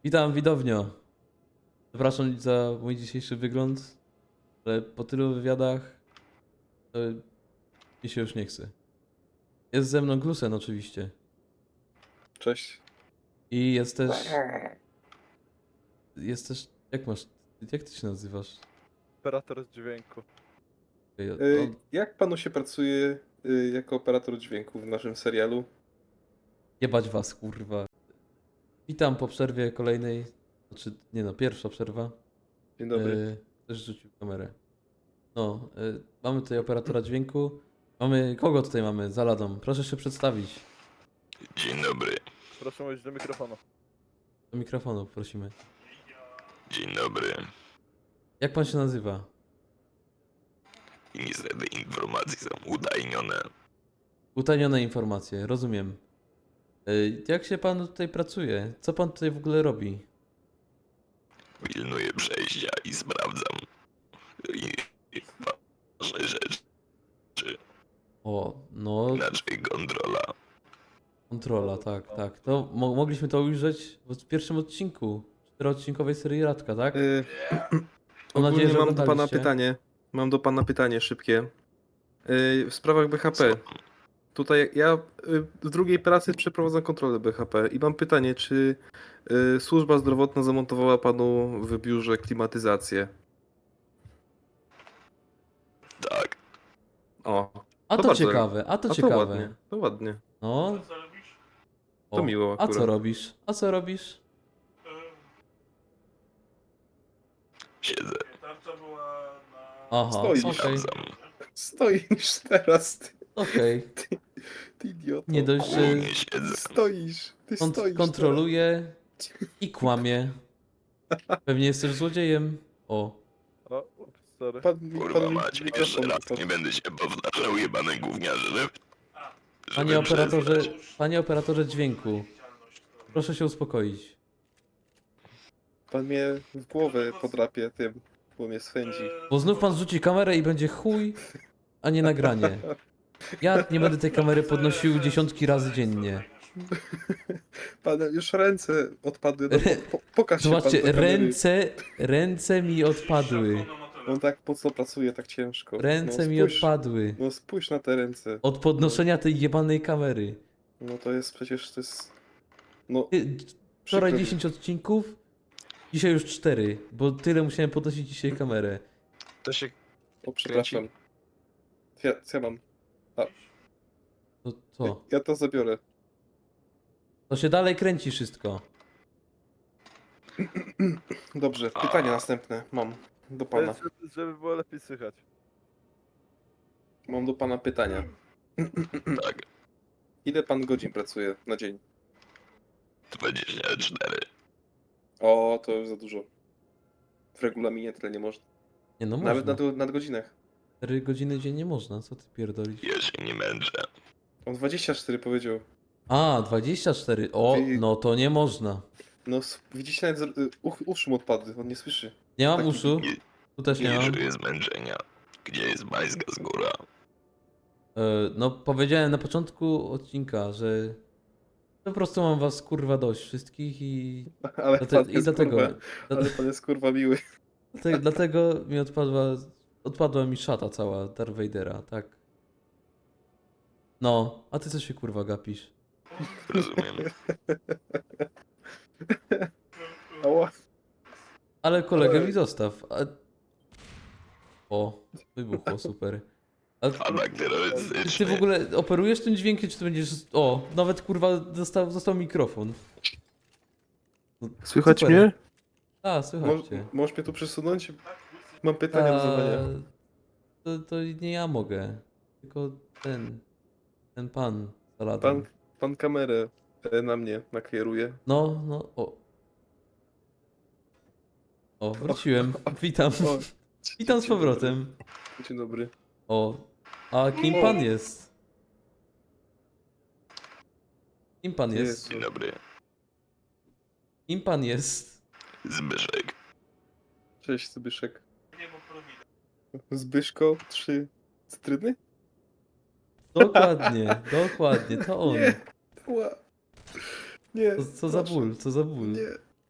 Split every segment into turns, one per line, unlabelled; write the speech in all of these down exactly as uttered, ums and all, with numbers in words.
Witam, widownio. Przepraszam za mój dzisiejszy wygląd, ale po tylu wywiadach to mi się już nie chce. Jest ze mną Glusen oczywiście.
Cześć.
I jest też... Jest też... Jak masz... Jak ty się nazywasz?
Operator z dźwięku.
Ej, o-
Y, jak panu się pracuje y, jako operator dźwięku w naszym serialu?
Jebać was, kurwa. Witam po przerwie kolejnej. Znaczy, nie no, pierwsza przerwa.
Dzień dobry.
E, Też rzucił kamerę. No, e, mamy tutaj operatora dźwięku. Mamy... Kogo tutaj mamy? Za ladą. Proszę się przedstawić.
Dzień dobry,
Proszę mówić do mikrofonu.
Do mikrofonu prosimy.
dzień dobry.
Jak pan się nazywa?
I niestety informacje są utajnione.
Utajnione informacje, rozumiem. Ej, Jak się pan tutaj pracuje? Co pan tutaj w ogóle robi?
Pilnuję przejścia i sprawdzam i, i ważne rzeczy,
O, no,
inaczej kontrola.
kontrola, tak, tak. To mo mogliśmy to ujrzeć w pierwszym odcinku czteroodcinkowej serii Radka, tak?
Y,
Mam nadzieję,
ogólnie
że
mam do pana
oglądaliście.
pytanie. Mam do pana pytanie szybkie. Y, w sprawach B H P. Tutaj ja y, w drugiej pracy przeprowadzam kontrolę B H P i mam pytanie, czy y, służba zdrowotna zamontowała panu w biurze klimatyzację?
Tak,
O,
A
to
to
bardzo-
ciekawe, a to
a to
ciekawe.
ładnie, to ładnie.
No.
To
O,
miło
A
akurat.
co robisz? A co robisz?
siedzę,
Tarcza była na...
Aha,
Stoisz.
okej,
sprawdzam.
Stoisz teraz, ty,
okej.
ty idioto.
Nie dość, że
Głównie siedzę.
Stoisz, ty
kont
stoisz
kontroluje i kłamie. Pewnie jesteś złodziejem. O.
O, ups, sorry.
teraz. Pan, mi-
Kurwa
pan mi
macie,
mikrofon
jeszcze raz
wypadł.
nie będę się powtarzał, jebane gówniarze, żeby,
Panie
żeby
operatorze,
przestać.
panie operatorze dźwięku, proszę się uspokoić.
Pan mnie w głowę podrapie tym, bo mnie swędzi.
Bo znów pan zrzuci kamerę i będzie chuj, a nie nagranie. Ja nie będę tej kamery podnosił dziesiątki razy dziennie.
Pan już ręce odpadły. No, po, po, pokaż się
Zobaczcie,
pan do kamery.
ręce, ręce mi odpadły.
On tak po co pracuje tak ciężko.
Ręce
no,
mi
spójrz,
odpadły.
No spójrz na te ręce.
Od podnoszenia tej jebanej kamery.
No to jest przecież to jest. No.
Ty, Wczoraj
przykro mi.
dziesięć odcinków, dzisiaj już cztery, bo tyle musiałem podnosić dzisiaj kamerę.
To się
O przepraszam. Ja, co ja mam?
To co?
Ja to zabiorę.
To się dalej kręci wszystko.
Dobrze, pytanie następne mam do
To
pana.
jest, żeby- żeby było lepiej słychać.
Mam do pana pytania.
tak,
Ile pan godzin pracuje na dzień?
dwadzieścia cztery.
O, to już za dużo. W regulaminie tyle nie można.
Nie no
Nawet
można.
na nadgodzinach.
cztery godziny dziennie można, co ty pierdolisz?
Ja się nie męczę.
On dwadzieścia cztery powiedział.
A, dwadzieścia cztery. O,
Wy-
no to nie można.
No, s- widzicie, nawet z- y, uch, uszy mu odpadły, on nie słyszy.
Nie mam
Taki-
uszu. Tu też nie
Nie
mam.
czuję zmęczenia. Gdzie jest bańska z góra?
E, No, powiedziałem na początku odcinka, że po prostu mam was kurwa dość wszystkich i,
Ale
dlate,
pan
i
jest
dlatego,
kurwa,
dlate,
ale pan jest kurwa miły.
dlatego, dlatego mi odpadła, odpadła mi szata cała Darth Vadera, tak. No, a ty co się kurwa gapisz?
Rozumiem.
Ała.
Ale kolegę
Ej.
mi zostaw. A... O, wybuchło, super. A
Atak
ty,
terrorystyczny.
ty w ogóle operujesz tym dźwiękiem, czy to będziesz... O, nawet kurwa został, został mikrofon. No,
Słychać
super.
mnie?
A,
Moż,
słychać cię.
możesz mnie tu przesunąć? Mam pytania do zadania.
A, to, to nie ja mogę. Tylko ten... Ten pan Saladin.
Pan, pan kamerę e, na mnie nakieruje.
No, no, o. O, wróciłem. Witam.
O,
Witam z
dzień
powrotem.
dobry. Dzień dobry.
O, a kim pan jest? Kim pan jest?
Jezu.
Dzień dobry.
Kim pan jest?
Zbyszek.
Cześć, Zbyszek.
Nie, bo prowida.
Zbyszko, trzy cytryny?
Dokładnie, dokładnie, to on.
Nie. Ła. Nie.
Co, co za
proszę.
ból, co za ból.
Nie.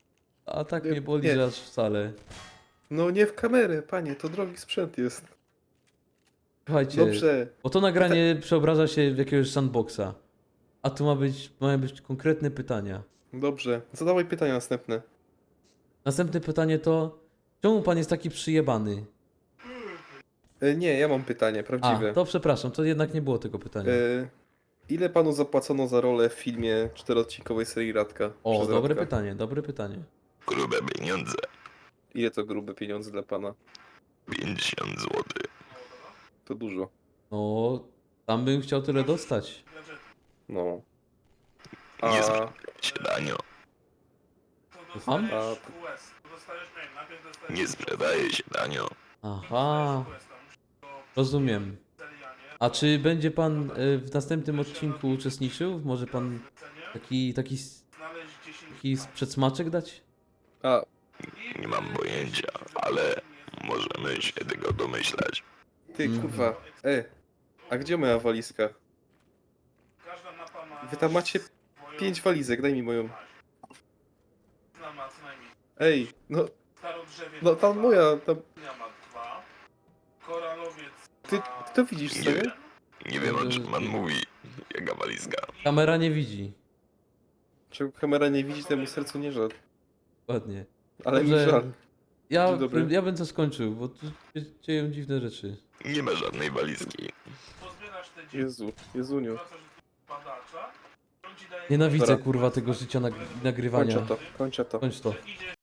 A tak
Nie,
mnie boli,
nie.
że aż wcale.
No nie w kamerę, panie, to drogi sprzęt jest.
Słuchajcie,
Dobrze.
bo to nagranie przeobraża się w jakiegoś sandboxa. A tu ma być, mają być konkretne pytania.
Dobrze. Zadawaj pytania następne.
Następne pytanie to, czemu pan jest taki przyjebany?
E, nie, ja mam pytanie,
A,
prawdziwe.
to przepraszam, to jednak nie było tego pytania.
E, ile panu zapłacono za rolę w filmie czteroodcinkowej serii Radka?
O,
przez
dobre
Radka?
pytanie, dobre pytanie.
Grube pieniądze.
Ile to grube pieniądze dla pana?
pięćdziesiąt złotych.
To dużo.
No, tam bym chciał tyle dostać.
No.
Nie
A
znam się, Danio.
To
Słucham?
dostajesz
A-
Q S. To dostajesz, nie wiem, najpierw dostajesz...
Nie sprzedaje się, Danio.
Aha, rozumiem. A czy będzie pan e, w następnym odcinku uczestniczył? Może pan taki, taki,
Znaleźć dziesięć
taki przedsmaczek dać?
A,
Nie mam pojęcia, ale możemy się tego domyślać.
ty
Mhm.
kurwa. E, a gdzie moja walizka?
Każda mapa ma...
Wy tam macie
swoją-
pięć walizek, daj mi moją.
Jedna ma co najmniej.
Ej, no,
Starodrzewie
no tam moja, tam...
ma dwa. Koralowiec
Ty,
ma...
ty to widzisz, co
Nie
nie?
wiem. Nie wiem, o czym pan mówi. Jaka walizka.
Kamera nie widzi.
Czego kamera nie widzi, temu sercu nie żal.
Ładnie.
Ale mi
Dobrze.
żal.
Ja,
Dzień dobry.
ja bym to skończył, bo tu się dzieją dziwne rzeczy.
Nie ma żadnej walizki.
Pozbierasz te dzieci,
Jezu, Jezuniu.
wracasz do badacza, on ci daje...
Nienawidzę
Dobra.
kurwa tego życia nag nagrywania.
Kończę to, kończę to.
Kończ to.
Idziesz